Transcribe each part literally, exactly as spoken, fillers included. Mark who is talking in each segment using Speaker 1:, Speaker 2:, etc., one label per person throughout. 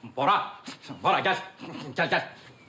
Speaker 1: Bora, Bora gel. Gel, gel.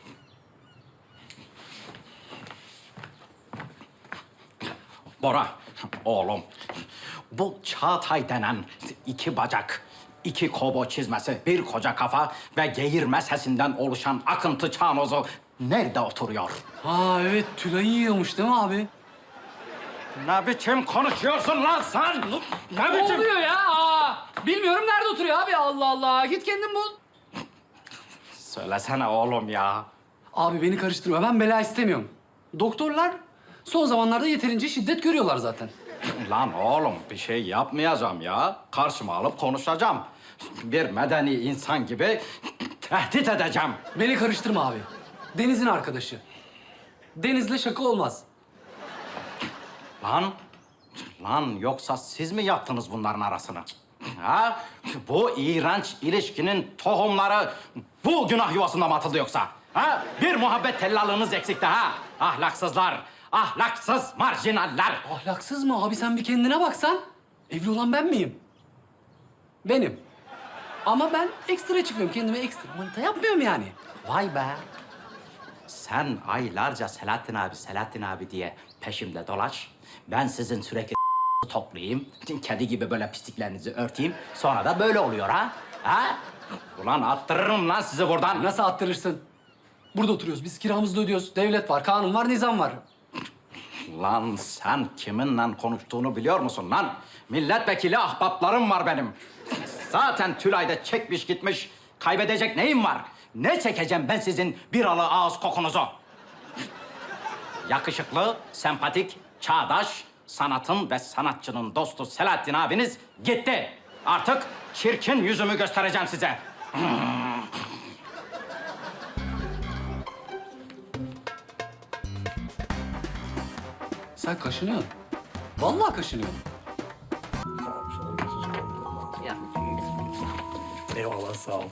Speaker 1: Bora, oğlum. Bu Çağatay denen iki bacak, iki kobo çizmesi, bir koca kafa ve geğirme sesinden oluşan akıntı çanozu nerede oturuyor?
Speaker 2: Ha evet, Tülay'ı yiyormuş değil mi abi?
Speaker 1: Ne biçim konuşuyorsun lan sen? Ne
Speaker 2: Ne
Speaker 1: biçim?
Speaker 2: oluyor ya? Aa, bilmiyorum nerede oturuyor abi. Allah Allah. Git kendin bul.
Speaker 1: Söylesene oğlum ya.
Speaker 2: Abi beni karıştırma. Ben bela istemiyorum. Doktorlar son zamanlarda yeterince şiddet görüyorlar zaten.
Speaker 1: Lan oğlum bir şey yapmayacağım ya. Karşıma alıp konuşacağım. Bir medeni insan gibi tehdit edeceğim.
Speaker 2: Beni karıştırma abi. Deniz'in arkadaşı. Deniz'le şaka olmaz.
Speaker 1: Lan, lan yoksa siz mi yaptınız bunların arasını? Ha? Bu iğrenç ilişkinin tohumları bu günah yuvasında mı atıldı yoksa? Ha? Bir muhabbet tellallığınız eksikti ha? Ahlaksızlar, ahlaksız marjinaller.
Speaker 2: Ahlaksız mı abi? Sen bir kendine baksan. Evli olan ben miyim? Benim. Ama ben ekstra çıkmıyorum. Kendime ekstra manita yapmıyorum yani.
Speaker 1: Vay be. Sen aylarca Selahattin abi, Selahattin abi diye peşimde dolaş. Ben sizin sürekli toplayayım. Kedi gibi böyle pisliklerinizi örteyim. Sonra da böyle oluyor ha? Ha? Ulan attırırım lan sizi buradan.
Speaker 2: Nasıl attırırsın? Burada oturuyoruz. Biz kiramızı da ödüyoruz. Devlet var, kanun var, nizam var.
Speaker 1: Lan sen kiminle konuştuğunu biliyor musun lan? Milletvekili ahbaplarım var benim. Zaten Tülay'da çekmiş gitmiş. Kaybedecek neyim var? Ne çekeceğim ben sizin biralı ağız kokunuzu? Yakışıklı, sempatik, çağdaş, sanatın ve sanatçının dostu Selahattin abiniz gitti. Artık çirkin yüzümü göstereceğim size.
Speaker 2: Sen kaşınıyorsun. Vallahi kaşınıyorsun.
Speaker 3: Eyvallah, sağ ol.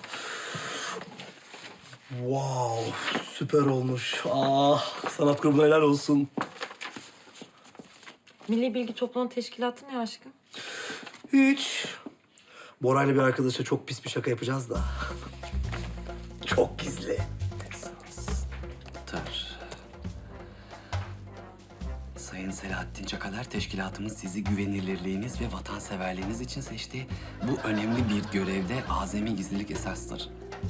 Speaker 3: Wow, süper olmuş. Ah, sanat grubuna helal olsun.
Speaker 4: Milli Bilgi Toplama Teşkilatı ne aşkım?
Speaker 3: Hiç. Bora'yla bir arkadaşa çok pis bir şaka yapacağız da. Çok gizli.
Speaker 2: Dur. Sayın Selahattin Çakalar, teşkilatımız sizi güvenilirliğiniz ve vatanseverliğiniz için seçti. Bu önemli bir görevde azami gizlilik esastır.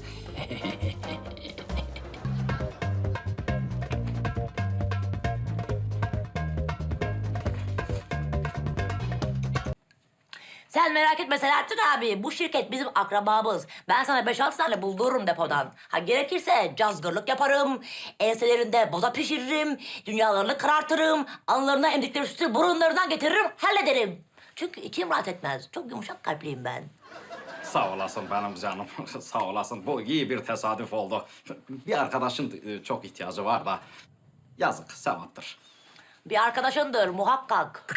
Speaker 5: Sen merak etme Selahattin abi. Bu şirket bizim akrabamız. Ben sana beş altı tane buldururum depodan. Ha gerekirse cazgırlık yaparım. Enselerinde boza pişiririm. Dünyalarını karartırım. Anlarına emdikleri sütü burunlarından getiririm. Hallederim. Çünkü içim rahat etmez. Çok yumuşak kalpliyim ben.
Speaker 1: Sağ olasın benim canım. Sağ olasın. Bu iyi bir tesadüf oldu. Bir arkadaşın e, çok ihtiyacı var da. Yazık, sevaptır.
Speaker 5: Bir arkadaşındır muhakkak.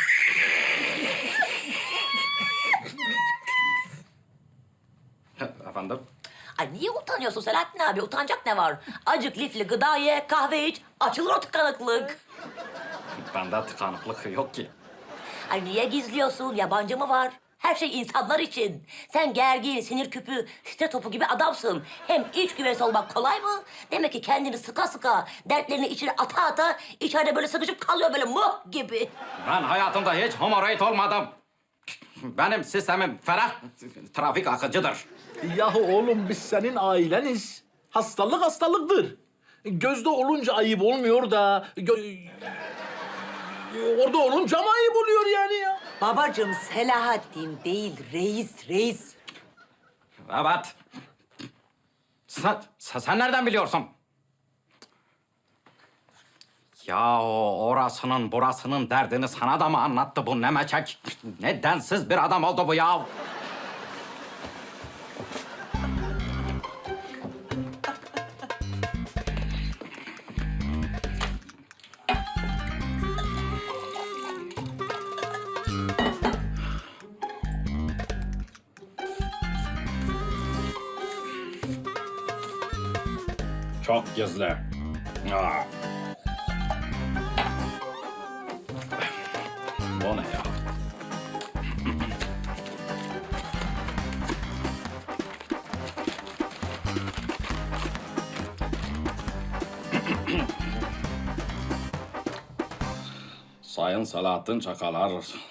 Speaker 1: Efendim?
Speaker 5: Ay niye utanıyorsun Selahattin abi? Utanacak ne var? Acık lifli gıda ye, kahve iç. Açılır o tıkanıklık.
Speaker 1: Bende tıkanıklık yok ki.
Speaker 5: Ay niye gizliyorsun? Yabancı mı var? Her şey insanlar için. Sen gergin, sinir küpü, site topu gibi adamsın. Hem iç güveysi olmak kolay mı? Demek ki kendini sıka sıka, dertlerini içine ata ata, içeride böyle sıkışıp kalıyor böyle muh gibi.
Speaker 1: Ben hayatımda hiç hemoroid olmadım. Benim sistemim ferah, trafik akıcıdır.
Speaker 6: Yahu oğlum biz senin aileniz. Hastalık hastalıktır. Gözde olunca ayıp olmuyor da... gö- Orada olunca mı ayıp oluyor yani ya?
Speaker 7: Babacığım Selahattin değil, reis, reis.
Speaker 1: Evet. Sen, sen, sen nereden biliyorsun? Ya orasının burasının derdini sana da mı anlattı bu nemeçek? Ne densiz bir adam oldu bu ya. Çok gizli. Aa. O ne ya? Sayın Selahattin Çakalar,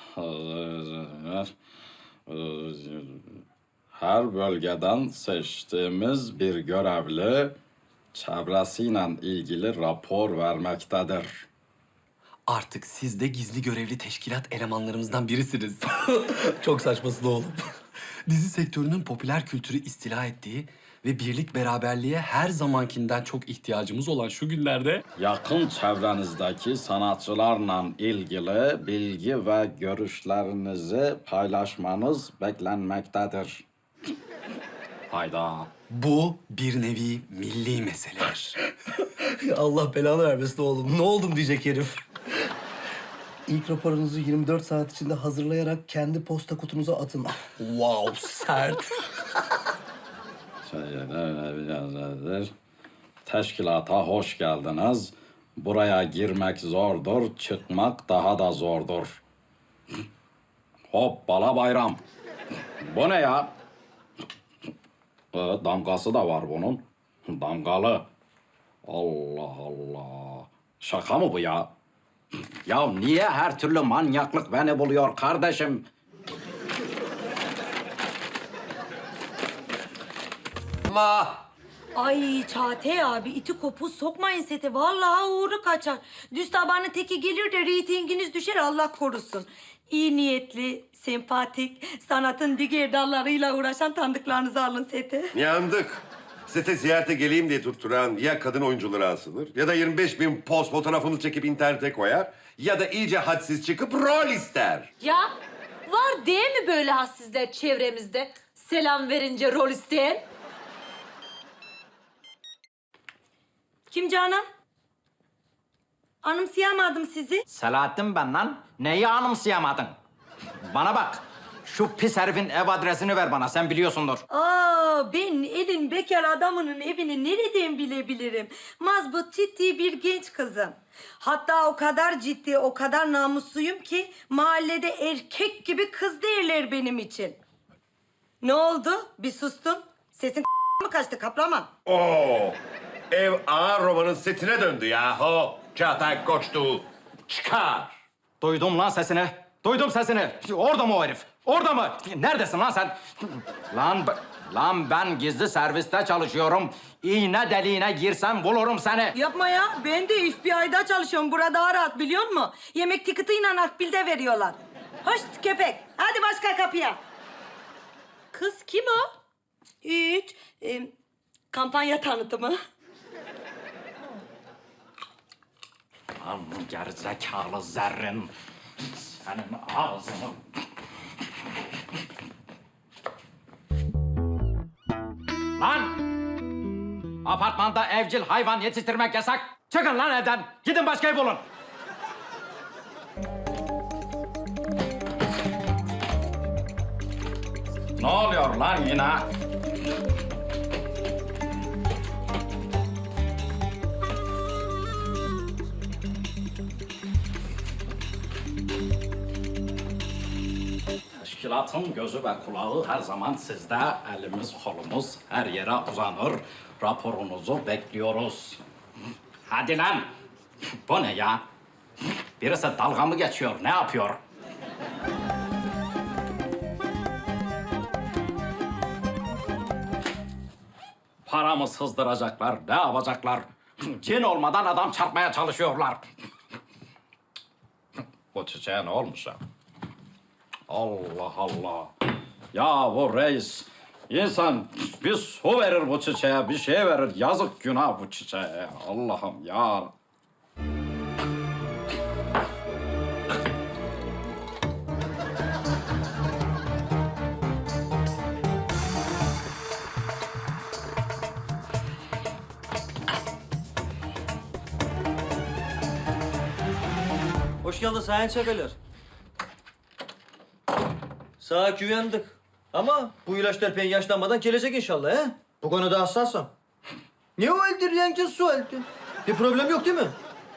Speaker 1: her bölgeden seçtiğimiz bir görevli çevresiyle ilgili rapor vermektedir.
Speaker 2: Artık siz de gizli görevli teşkilat elemanlarımızdan birisiniz.
Speaker 3: Çok saçmasın oğlum.
Speaker 2: Dizi sektörünün popüler kültürü istila ettiği ve birlik beraberliğe her zamankinden çok ihtiyacımız olan şu günlerde...
Speaker 1: Yakın çevrenizdeki sanatçılarla ilgili bilgi ve görüşlerinizi paylaşmanız beklenmektedir. Hayda.
Speaker 2: Bu bir nevi milli meseledir.
Speaker 3: Allah belanı vermesin oğlum. Ne oldum diyecek herif. İlk raporunuzu yirmi dört saat içinde hazırlayarak kendi posta kutunuza atın. Wow, sert.
Speaker 1: Teşkilata hoş geldiniz. Buraya girmek zordur, çıkmak daha da zordur. Hoppala bayram. Bu ne ya? Evet, damgası da var bunun. Damgalı. Allah Allah. Şaka mı bu ya? Ya niye her türlü manyaklık beni buluyor kardeşim?
Speaker 3: Ama
Speaker 4: Ay Çağatay abi iti kopuz sokmayın sete. Vallahi uğru kaçar. Düz tabanın teki gelir de reytinginiz düşer Allah korusun. İyi niyetli, sempatik, sanatın diğer dallarıyla uğraşan tanıdıklarınızı alın sete.
Speaker 8: Yandık. Sete ziyarete geleyim diye tutturan ya kadın oyuncuları asılır ya da yirmi beş bin poz fotoğrafını çekip internete koyar ya da iyice hadsiz çıkıp rol ister.
Speaker 9: Ya var değil mi böyle hassizler çevremizde? Selam verince rol isteyen.
Speaker 4: Kim Canan? Anımsayamadım sizi.
Speaker 1: Selahattin ben lan. Neyi anımsayamadın? Bana bak. Şu pis herifin ev adresini ver bana. Sen biliyorsundur.
Speaker 4: Aa, ben elin bekar adamının evini nereden bilebilirim? Mazbut ciddi bir genç kızım. Hatta o kadar ciddi, o kadar namusluyum ki mahallede erkek gibi kız derler benim için. Ne oldu? Bir sustun. Sesin mı kaçtı kaplama?
Speaker 8: Oo, ev ağır romanın setine döndü yahu. Çağatay Koçtu. Çıkar.
Speaker 1: Duydum lan sesini. Duydum sesini. Orada mı o herif? Orada mı? Neredesin lan sen? Lan, b- lan ben gizli serviste çalışıyorum. İğne deliğine girsem bulurum seni.
Speaker 4: Yapma ya. Ben de F B I'da çalışıyorum. Burada daha rahat biliyor musun? Yemek tiketiyle akbilde veriyorlar. Hoş köpek. Hadi başka kapıya. Kız kim o? Hiç. Ee, kampanya tanıtımı.
Speaker 1: Lan gerizekalı zerrin. Senin ağzını... Lan! Apartmanda evcil hayvan yetiştirmek yasak. Çıkın lan evden. Gidin başka ev bulun. Ne oluyor lan yine? Teşkilatın gözü ve kulağı her zaman sizde. Elimiz kolumuz her yere uzanır. Raporunuzu bekliyoruz. Hadi lan. Bu ne ya? Birisi dalga mı geçiyor? Ne yapıyor? Paramı sızdıracaklar. Ne yapacaklar? Cin olmadan adam çarpmaya çalışıyorlar. Bu çiçeğe ne olmuş ya? Allah Allah. Ya bu reis, insan bir su verir bu çiçeğe, bir şey verir. Yazık günah bu çiçeğe. Allah'ım ya.
Speaker 10: Hoş geldin Sayın Çakalar. Sağa güvendik. Ama bu ilaçlar pek yaşlanmadan gelecek inşallah he? Bu konuda hassasım. Ne o öldürüyen su öldü? Bir problem yok değil mi?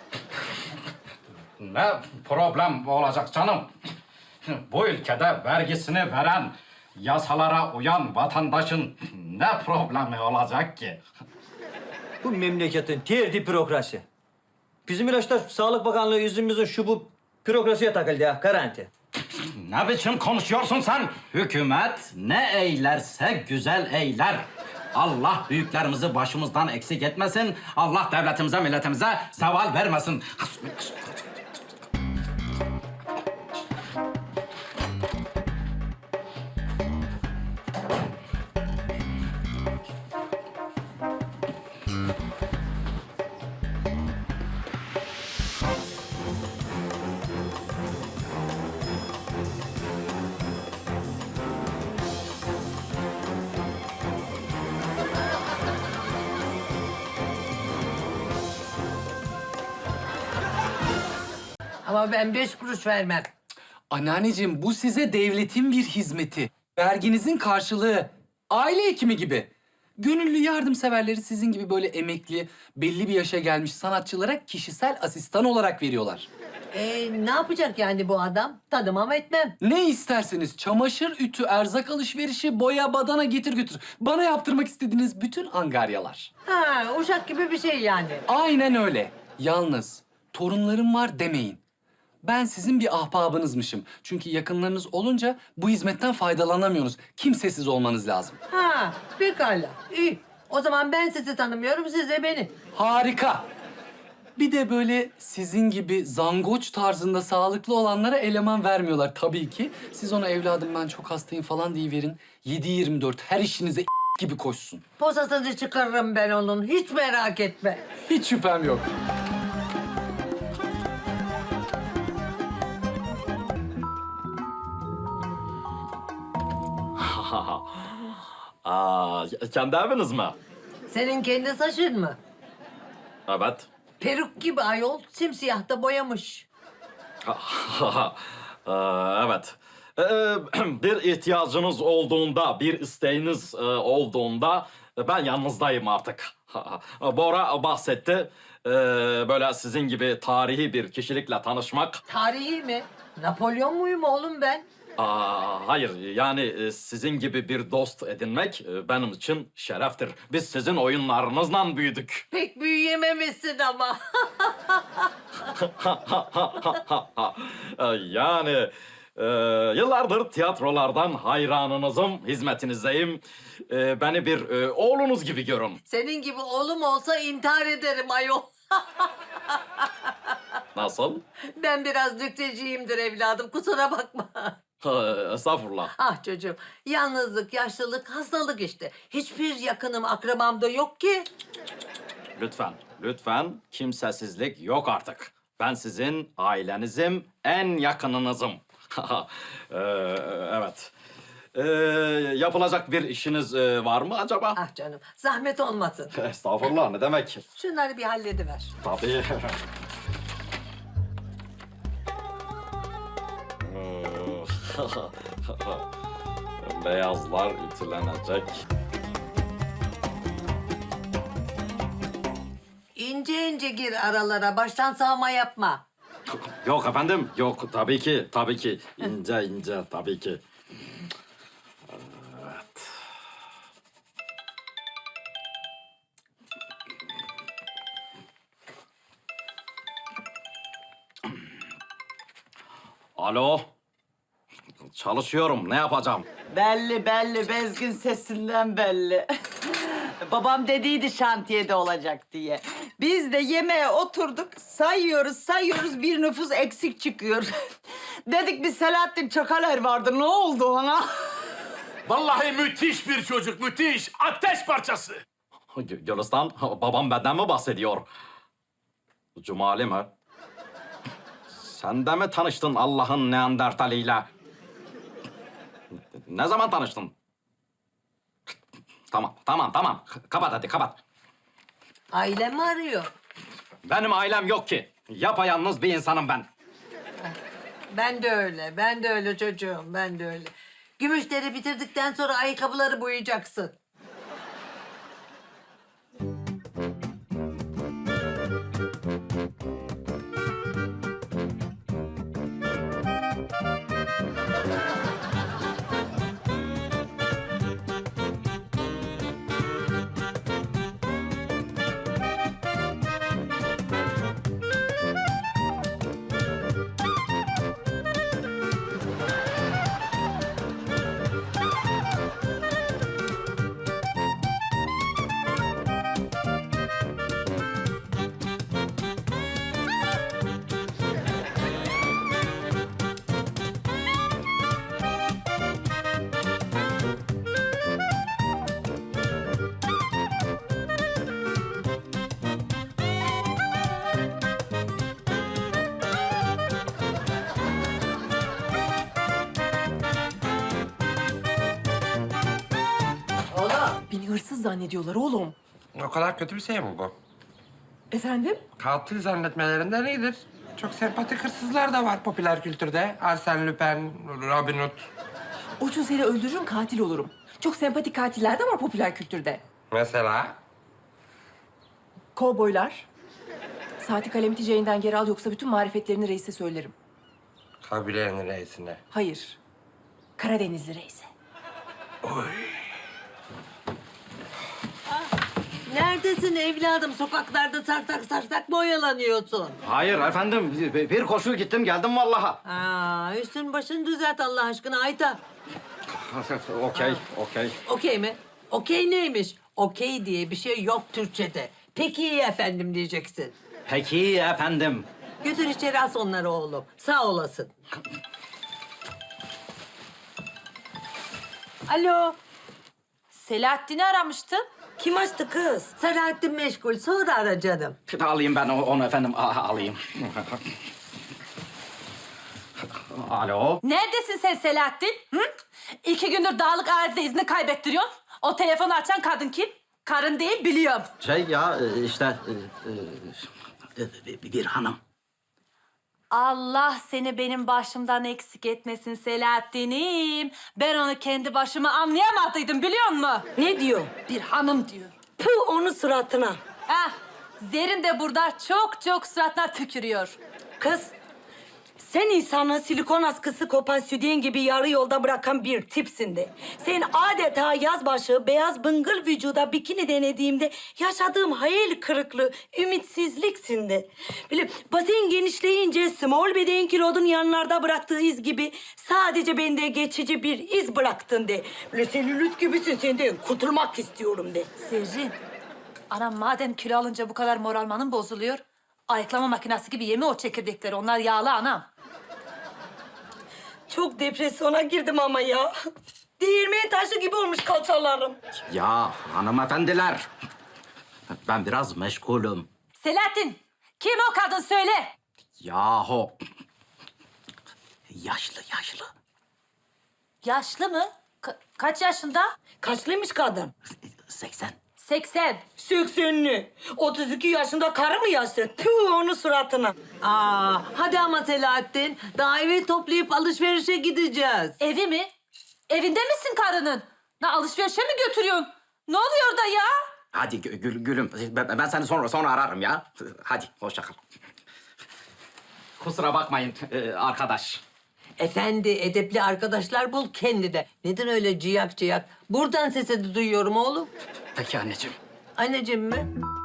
Speaker 1: Ne problem olacak canım? Bu ülkede vergisini veren, yasalara uyan vatandaşın ne problemi olacak ki?
Speaker 10: Bu memleketin terdi bürokrasi. Bizim ilaçlar Sağlık Bakanlığı yüzümüzün şu bu bürokrasiye takıldı ya, garanti.
Speaker 1: Ne biçim konuşuyorsun sen? Hükümet ne eylerse güzel eyler. Allah büyüklerimizi başımızdan eksik etmesin. Allah devletimize, milletimize zeval vermesin.
Speaker 7: Ama ben beş kuruş vermem.
Speaker 2: Anneanneciğim bu size devletin bir hizmeti. Verginizin karşılığı. Aile hekimi gibi. Gönüllü yardımseverleri sizin gibi böyle emekli, belli bir yaşa gelmiş sanatçılara kişisel asistan olarak veriyorlar.
Speaker 7: Ee, ne yapacak yani bu adam? Tanımam etmem.
Speaker 2: Ne isterseniz çamaşır, ütü, erzak alışverişi, boya, badana getir götür. Bana yaptırmak istediğiniz bütün angaryalar.
Speaker 7: Ha, uşak gibi bir şey yani.
Speaker 2: Aynen öyle. Yalnız torunlarım var demeyin. Ben sizin bir ahbabınızmışım. Çünkü yakınlarınız olunca bu hizmetten faydalanamıyorsunuz. Kimsesiz olmanız lazım.
Speaker 7: Ha, pekala. İyi. O zaman ben sizi tanımıyorum, siz de beni.
Speaker 2: Harika. Bir de böyle sizin gibi zangoç tarzında sağlıklı olanlara eleman vermiyorlar tabii ki. Siz ona evladım ben çok hastayım falan deyiverin. yedi yirmi dört her işinize gibi koşsun.
Speaker 7: Posasını çıkarırım ben onun, hiç merak etme.
Speaker 2: Hiç şüphem yok.
Speaker 1: Aa, kendi eviniz mi?
Speaker 7: Senin kendi saçın mı?
Speaker 1: Evet.
Speaker 7: Peruk gibi ayol, simsiyah da boyamış.
Speaker 1: evet. Bir ihtiyacınız olduğunda, bir isteğiniz olduğunda ben yanınızdayım artık. Bora bahsetti. Böyle sizin gibi tarihi bir kişilikle tanışmak.
Speaker 7: Tarihi mi? Napolyon muyum oğlum ben?
Speaker 1: Aa, hayır, yani sizin gibi bir dost edinmek benim için şereftir. Biz sizin oyunlarınızla büyüdük.
Speaker 7: Pek büyüyememişsin ama.
Speaker 1: yani e, yıllardır tiyatrolardan hayranınızım, hizmetinizdeyim. E, beni bir e, oğlunuz gibi görün.
Speaker 7: Senin gibi oğlum olsa intihar ederim ayol.
Speaker 1: Nasıl?
Speaker 7: Ben biraz nükteciyimdir evladım, kusura bakma.
Speaker 1: Estağfurullah.
Speaker 7: Ah çocuğum, yalnızlık, yaşlılık, hastalık işte. Hiçbir yakınım, akrabam da yok ki.
Speaker 1: Lütfen, lütfen kimsesizlik yok artık. Ben sizin ailenizim, en yakınınızım. Ee, evet. Ee, yapılacak bir işiniz e, var mı acaba?
Speaker 7: Ah canım, zahmet olmasın.
Speaker 1: Estağfurullah, ne demek?
Speaker 7: Şunları bir hallediver.
Speaker 1: Tabii. Beyazlar ütülenecek.
Speaker 7: İnce ince gir aralara, baştan sağma yapma.
Speaker 1: Yok efendim, yok tabii ki, tabii ki. İnce ince tabii ki. Evet. Alo. Çalışıyorum, ne yapacağım?
Speaker 11: Belli belli, bezgin sesinden belli. Babam dediydi şantiyede olacak diye. Biz de yemeğe oturduk, sayıyoruz sayıyoruz, bir nüfus eksik çıkıyor. Dedik bir Selahattin Çakaler vardı, ne oldu ona?
Speaker 6: Vallahi müthiş bir çocuk, müthiş. Ateş parçası.
Speaker 1: Gü- Gülistan, babam benden mi bahsediyor? Cumali mi? Sen de mi tanıştın Allah'ın Neandertaliyle? Ne zaman tanıştın? Tamam, tamam, tamam. Kapat hadi, kapat.
Speaker 7: Ailem arıyor.
Speaker 1: Benim ailem yok ki. Yapayalnız bir insanım ben.
Speaker 7: Ben de öyle, ben de öyle çocuğum, ben de öyle. Gümüşleri bitirdikten sonra ayakkabıları boyayacaksın.
Speaker 9: Seni hırsız zannediyorlar oğlum.
Speaker 12: O kadar kötü bir şey mi bu?
Speaker 9: Efendim?
Speaker 12: Katil zannetmelerinden iyidir. Çok sempatik hırsızlar da var popüler kültürde. Arsène Lupin, Robin Hood.
Speaker 9: O gün seni öldürürüm, katil olurum. Çok sempatik katiller de var popüler kültürde.
Speaker 12: Mesela?
Speaker 9: Kovboylar. Saati kalemi ticeğinden geri al yoksa bütün marifetlerini reise söylerim.
Speaker 12: Kabilenin reisine.
Speaker 9: Hayır. Karadenizli reise.
Speaker 7: Neredesin evladım? Sokaklarda sarsak sarsak mı oyalanıyorsun?
Speaker 1: Hayır efendim, bir bir koşu gittim geldim vallahi.
Speaker 7: Aa, üstün başını düzelt Allah aşkına Ayta.
Speaker 1: Okey, okey.
Speaker 7: Okey mi? Okey neymiş? Okey diye bir şey yok Türkçe'de. Peki iyi efendim diyeceksin.
Speaker 1: Peki efendim.
Speaker 7: Götür içeri as onları oğlum. Sağ olasın.
Speaker 9: Alo. Selahattin'i aramıştın.
Speaker 4: Kim açtı kız?
Speaker 7: Selahattin meşgul. Sonra ara canım.
Speaker 1: Alayım ben o- onu efendim, a- alayım. Alo.
Speaker 9: Neredesin sen Selahattin? Hı? İki gündür dağlık arazide izini kaybettiriyorsun. O telefonu açan kadın kim? Karın değil biliyorum.
Speaker 1: Şey ya e, işte e, e, bir hanım.
Speaker 9: Allah seni benim başımdan eksik etmesin Selahattin'im. Ben onu kendi başıma anlayamadıydım biliyor musun?
Speaker 4: Ne diyor?
Speaker 9: Bir hanım diyor.
Speaker 4: Puh onun suratına.
Speaker 9: Ah, Zerin de burada çok çok suratına tükürüyor.
Speaker 4: Kız, sen insanı silikon askısı kopan sütyen gibi yarı yolda bırakan bir tipsin de. Sen adeta yazbaşı beyaz bıngıl vücuda bikini denediğimde yaşadığım hayal kırıklığı, ümitsizliksin de. Böyle bazen genişleyince small beden kilodun yanlarda bıraktığı iz gibi sadece bende geçici bir iz bıraktın de. Böyle selülit gibisin senden kurtulmak istiyorum de.
Speaker 9: Zerrin, anam madem kilo alınca bu kadar moralmanın bozuluyor... ayıklama makinesi gibi yeme o çekirdekleri. Onlar yağlı anam.
Speaker 4: Çok depresyona girdim ama ya. Değirmen taşı gibi olmuş kalçalarım.
Speaker 1: Ya hanımefendiler. Ben biraz meşgulüm.
Speaker 9: Selahattin, kim o kadın söyle.
Speaker 1: Yahu. Yaşlı yaşlı.
Speaker 9: Yaşlı mı? Ka- kaç yaşında?
Speaker 4: Kaçlıymış kadın?
Speaker 1: seksen.
Speaker 9: seksen.
Speaker 4: Seksenli. otuz iki yaşında karı mı yaşlı? Tüh onun suratına.
Speaker 7: Aa, hadi ama Selahattin. Daha evi toplayıp alışverişe gideceğiz.
Speaker 9: Evi mi? Evinde misin karının? Ne alışverişe mi götürüyorsun? Ne oluyor da ya?
Speaker 1: Hadi gü- gül, gülüm. Ben, ben seni sonra sonra ararım ya. Hadi hoşça kal. Kusura bakmayın e, arkadaş.
Speaker 7: Efendi, edepli arkadaşlar bul kendi de. Neden öyle ciyak ciyak? Buradan sesini duyuyorum oğlum.
Speaker 1: Peki anneciğim.
Speaker 7: Anneciğim mi?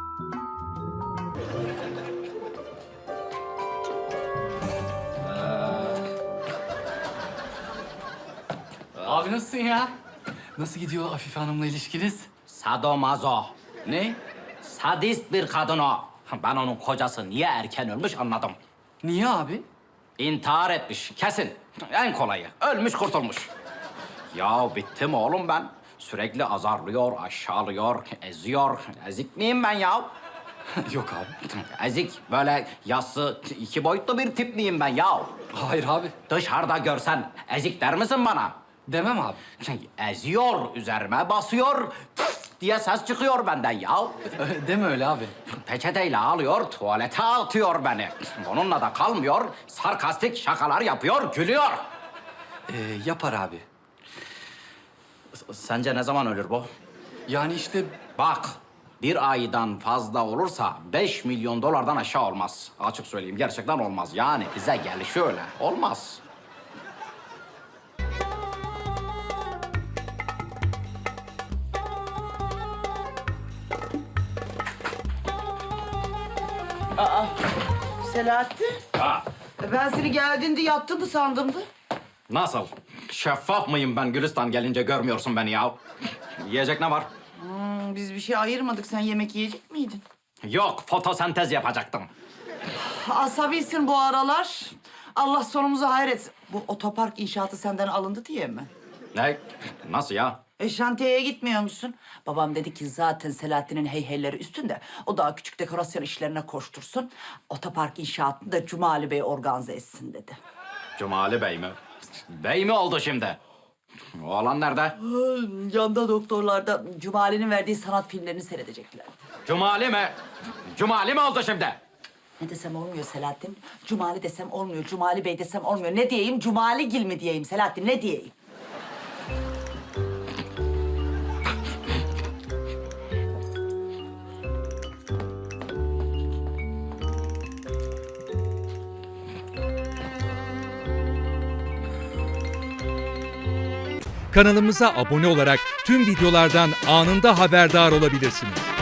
Speaker 2: Abi nasılsın ya? Nasıl gidiyor Afife Hanım'la ilişkiniz?
Speaker 1: Sadomazo.
Speaker 2: Ne?
Speaker 1: Sadist bir kadın o. Ben onun kocası niye erken ölmüş anladım.
Speaker 2: Niye abi?
Speaker 1: İntihar etmiş kesin. En kolayı. Ölmüş kurtulmuş. Ya bittim oğlum ben. Sürekli azarlıyor, aşağılıyor, eziyor. Ezik miyim ben ya?
Speaker 2: Yok abi.
Speaker 1: Ezik, böyle yassı, iki boyutlu bir tip miyim ben ya?
Speaker 2: Hayır abi.
Speaker 1: Dışarıda görsen ezik der misin bana?
Speaker 2: Demem abi.
Speaker 1: Eziyor, üzerime basıyor püf diye ses çıkıyor benden ya.
Speaker 2: Deme öyle abi.
Speaker 1: Peçeteyle alıyor, tuvalete atıyor beni. Onunla da kalmıyor, sarkastik şakalar yapıyor, gülüyor.
Speaker 2: Ee, yapar abi.
Speaker 1: S- Sence ne zaman ölür bu?
Speaker 2: Yani işte
Speaker 1: Bak, bir aydan fazla olursa beş milyon dolardan aşağı olmaz. Açık söyleyeyim, gerçekten olmaz. Yani bize gelişi öyle. Olmaz.
Speaker 11: Selahattin,
Speaker 1: Ha,
Speaker 11: ben seni geldiğinde yattın mı sandımdı.
Speaker 1: nasıl? Şeffaf mıyım ben Gülistan gelince görmüyorsun beni ya? Yiyecek ne var?
Speaker 11: Hmm, biz bir şey ayırmadık. Sen yemek yiyecek miydin?
Speaker 1: Yok, fotosentez yapacaktım.
Speaker 11: Asabilsin bu aralar. Allah sonumuzu hayretsin. Bu otopark inşaatı senden alındı diye mi?
Speaker 1: Ne? Nasıl ya?
Speaker 11: E şantiyeye gitmiyor musun? Babam dedi ki zaten Selahattin'in heyheyleri üstünde. O daha küçük dekorasyon işlerine koştursun. Otopark inşaatını da Cumali Bey organize etsin dedi.
Speaker 1: Cumali Bey mi? Bey mi oldu şimdi? Oğlan nerede?
Speaker 11: Yanda doktorlarda Cumali'nin verdiği sanat filmlerini seyredecekler.
Speaker 1: Cumali mi? Cumali mi oldu şimdi?
Speaker 11: Ne desem olmuyor Selahattin. Cumali desem olmuyor. Cumali Bey desem olmuyor. Ne diyeyim? Cumali Gil mi diyeyim Selahattin? Ne diyeyim?
Speaker 13: Kanalımıza abone olarak tüm videolardan anında haberdar olabilirsiniz.